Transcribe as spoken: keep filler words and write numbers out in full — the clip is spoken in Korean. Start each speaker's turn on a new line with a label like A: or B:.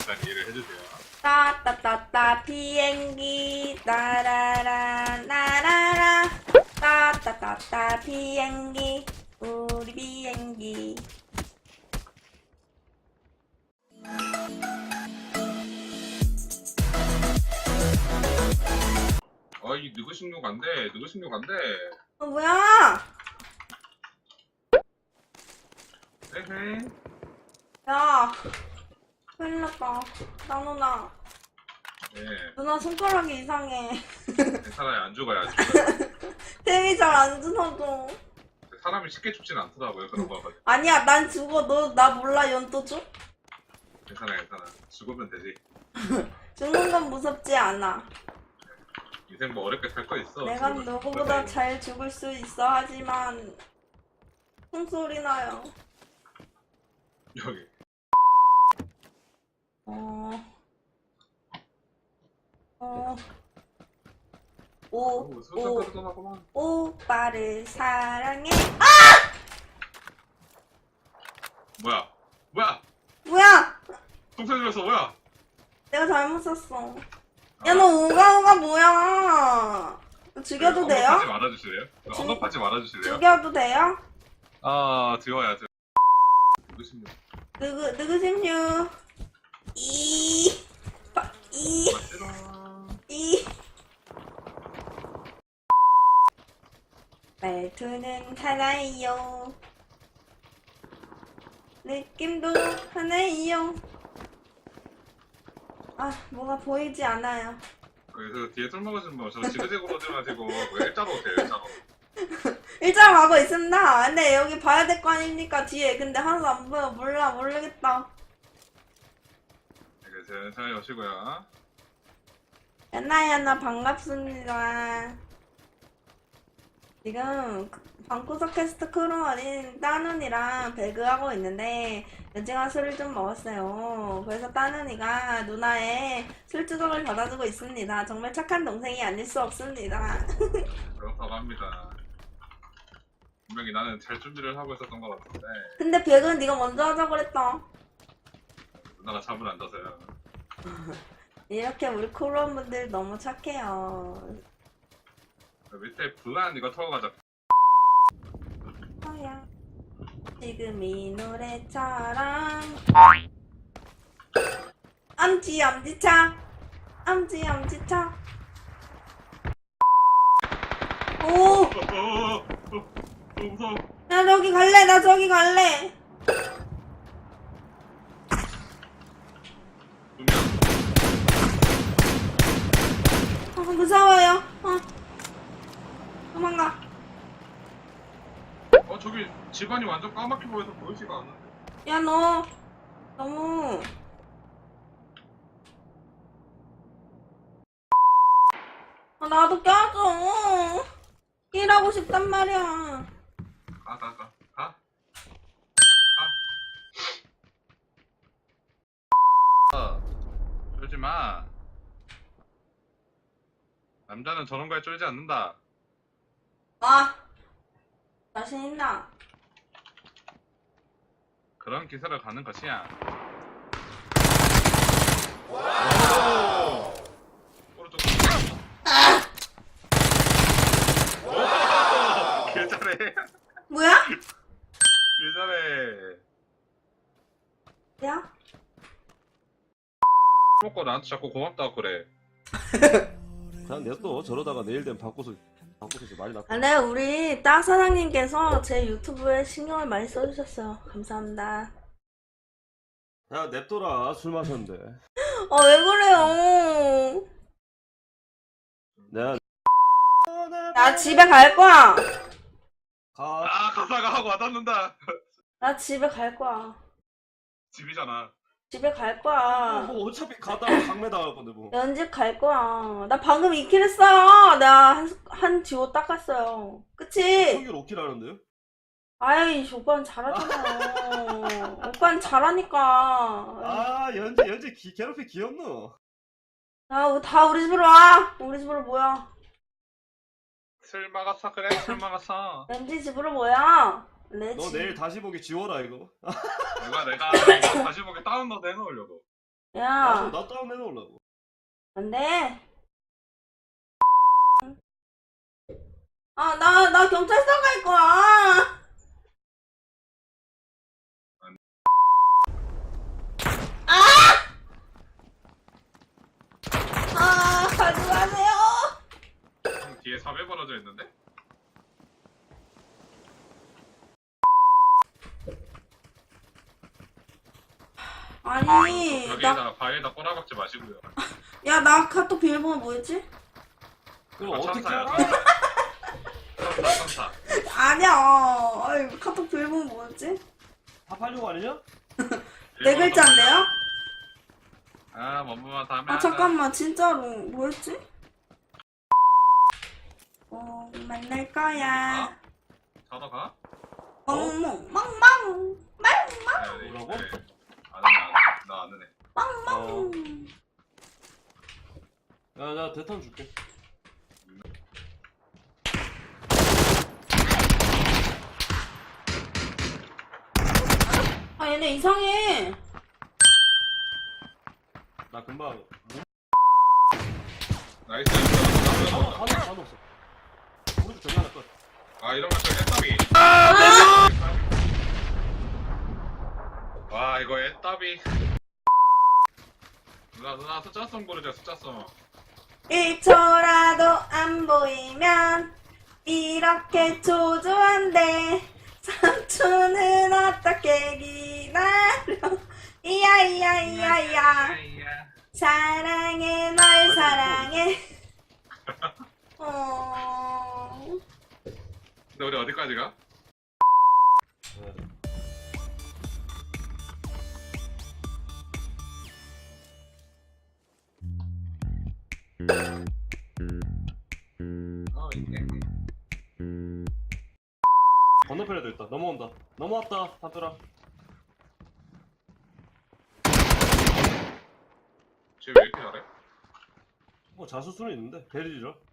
A: 일단 이해를 해주세요.
B: 따따따따 비행기 따라라 나라라 따따따따 비행기 우리 비행기.
A: 아, 이 느그식육 안 돼. 느그식육 안 돼.
B: 어 뭐야?
A: 에헤.
B: 야 큰일 났다. 나 누나
A: 예.
B: 누나 손가락이 이상해.
A: 괜찮아요. 안 죽어요. 안 죽어요.
B: 템이 잘 안 주워줘.
A: 사람이 쉽게 죽진 않더라고요. 그런 거 가지고.
B: 아니야 난 죽어. 너 나 몰라. 연또 줘?
A: 괜찮아, 괜찮아. 죽으면 되지.
B: 죽는 건 무섭지 않아.
A: 인생 뭐 어렵게 살 거 있어.
B: 내가
A: 죽으면
B: 누구보다
A: 죽어야 돼.
B: 잘 죽을 수 있어. 하지만 총소리 나요.
A: 여기.
B: 어... 어... 오,
A: 오, 수상
B: 오,
A: 떠나구만.
B: 오빠를 사랑해.
A: 뭐야? 뭐야?
B: 뭐야?
A: 똥소리 들렸어. 뭐야?
B: 내가 잘못 썼어. 야, 너 오가오가 뭐야? 죽여도 돼요?
A: 언급하지 말아주실래요?
B: 죽-
A: 언급하지 말아주실래요?
B: 죽여도 돼요?
A: 아, 지워야죠. 누구십니까?
B: 누구, 누구십뉴? 이, 빠- 이,
A: 맞지롱.
B: 이. 말투는 하나예요. 느낌도 하나예요. 아, 뭐가 보이지 않아요.
A: 그래서 뒤에 술 먹으신 분, 저 지그재그로 오지 마시고 뭐 일자로 오세요. 일자로.
B: 일자로 가고 있습니다. 근데 여기 봐야 될 거 아닙니까? 뒤에. 근데 하나도 안 보여. 몰라, 모르겠다.
A: 네, 천천히 오시고요.
B: 야나야나 반갑습니다. 지금 방구석 캐스트 크루 어린 따눈이랑 배그하고 있는데 연지가 술을 좀 먹었어요. 그래서 따눈이가 누나의 술주정을 받아주고 있습니다. 정말 착한 동생이 아닐 수 없습니다.
A: 그렇다고 합니다. 분명히 나는 잘 준비를 하고 있었던 것 같은데
B: 근데 배그는 네가 먼저 하자고 그랬다.
A: 누나가 잠을 안 자서요.
B: 이렇게 우리 크루원분들 너무 착해요.
A: 그 밑에 블란 이거 타고 가자.
B: 뭐야? 지금 이 노래처럼 엄지 엄지차 엄지 엄지차. 오!
A: 어, 어, 어, 어, 무서워.
B: 나 저기 갈래. 나 저기 갈래. 어, 무서워요. 어. 도망가.
A: 어, 저기 집안이 완전 까맣게 보여서 보이지가 않는데.
B: 야, 너 너무 아, 나도 껴줘. 일하고 싶단 말이야.
A: 가, 가, 가, 가. 가. 어, 쫄지 마. 남자는 저런 거에 쫄지 않는다.
B: 아, 자신 있나?
A: 그런 기세를 가는 것이야. 오른쪽. 오! 개 잘해.
B: 뭐야?
A: 개 잘해.
B: 야?
A: 먹고 나한테 자꾸 고맙다고 그래.
C: 그냥 냅둬. 저러다가 내일 되면 바꿔서 바꿔서 이제 많이 나.
B: 아, 네, 우리 딱 사장님께서 제 유튜브에 신경을 많이 써주셨어요. 감사합니다.
C: 야 냅둬라. 술 마셨는데.
B: 아, 왜 그래요?
C: 내가
B: 나 집에 갈 거야.
C: 가.
A: 아, 가사가 하고 와닿는다.
B: 나 집에 갈 거야.
A: 집이잖아.
B: 집에 갈 거야.
C: 뭐 어차피 가다가 강매 당할 건데 뭐.
B: 연집 갈 거야. 나 방금 이 킬 했어요. 내가 한, 한 듀오 닦았어요. 그치?
C: 평균 오 킬 하는데요?
B: 아이, 오빠는 잘하잖아요. 오빠는 잘하니까.
C: 아 연재 연재 기, 괴롭히 귀엽노.
B: 야, 다 우리 집으로 와. 우리 집으로 모여.
A: 술 막았어. 그래, 술 막았어.
B: 연지 집으로 모여. 내
C: 너
B: 집.
C: 내일 다시 보기 지워라 이거.
A: 내가 내가 이거 다시 보기 다운로드 해놓으려고.
C: 야,
B: 야,
C: 나 다운 해놓으려고.
B: 안 돼. 아, 나, 나 경찰서 갈 거야. 아, 가지 마세요.
A: 형 뒤에 삽에 벌어져 있는데?
B: 아니, 나,
A: 여기에다 바위에다 꼬라박지 마시고요.
B: 야, 나 카톡 비밀번호 뭐였지?
C: 그럼
A: 아,
C: 어떻게
A: 천사야,
C: 알아?
A: 천사, 천사.
B: 아니야. 아이, 카톡 비밀번호 뭐였지?
C: 답하려고 아니냐?
B: 네 글자인데요?
A: 아, 뭐뭐만 다 하면.
B: 아, 잠깐만, 진짜로. 뭐였지? 어, 만날 거야.
A: 자러 가?
B: 멍멍, 멍멍, 멍멍,
A: 네,
C: 뭐라고?
A: 네. 안 하네, 안 하네. 나 안 하네.
B: 멍멍.
C: 야, 나 대탄 줄게.
B: 아, 얘네 이상해.
C: 나 금방.
A: 나이스.
C: 다 넣었어, 다 넣었어, 다 넣었어. 오른쪽 정리 하나 끝.
A: 아, 이런 거저 애따비. 와, 이거 애따비. 누나, 누나 숫자송 부르자, 숫자송.
B: 일 초라도 안 보이면 이렇게 초조한데 삼 초는 어떻게 기다려. 이야 이야 이야 이야. 사랑해 널 사랑해. 어...
A: 근데 우리 어디까지 가?
C: 네.
A: 어, 이게.
C: 건너편에도 있다. 넘어온다. 넘어왔다, 다들아.
A: 쟤왜 이렇게 잘해?
C: 뭐 자수수는 있는데 베리지라.